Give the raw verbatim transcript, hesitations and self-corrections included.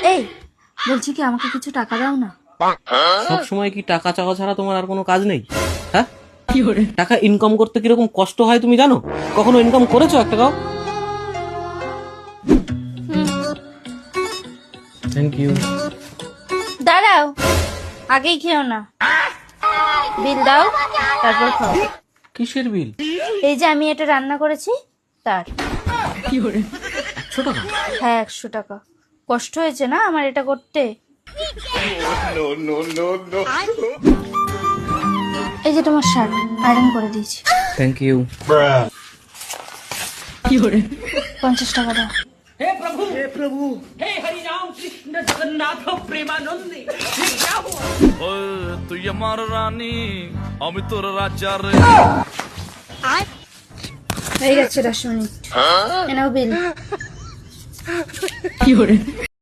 এই বলছি কি আমাকে কিছু টাকা দাও না। সব সময় কি টাকা চাওয়া ছাড়া তোমার আর কোনো কাজ নেই? হ্যাঁ, টাকা ইনকাম করতে কিরকম কষ্ট হয় তুমি জানো? কখনো ইনকাম করেছো এক টাকাও? Thank you. দাঁড়াও, আগেই খেও না, বিল দাও তারপর খাও। কিসের বিল? এই যে আমি এটা রান্না করেছি তার। একশো টাকা? হ্যাঁ একশো টাকা। কষ্ট হয়েছে না আমার এটা করতে। এই যে তোমার শার্ট আয়রন করে দিয়েছি। Thank you. পঞ্চাশ টাকা দাও। हे प्रभु हे प्रभु हे हरि राम कृष्ण जगन्नाथ प्रेमानंद ये क्या हुआ? ওই তুই আমার রানী আমি তোর রাজা রে। হয়ে গেছে দশ মিনিট। এনাও বিল।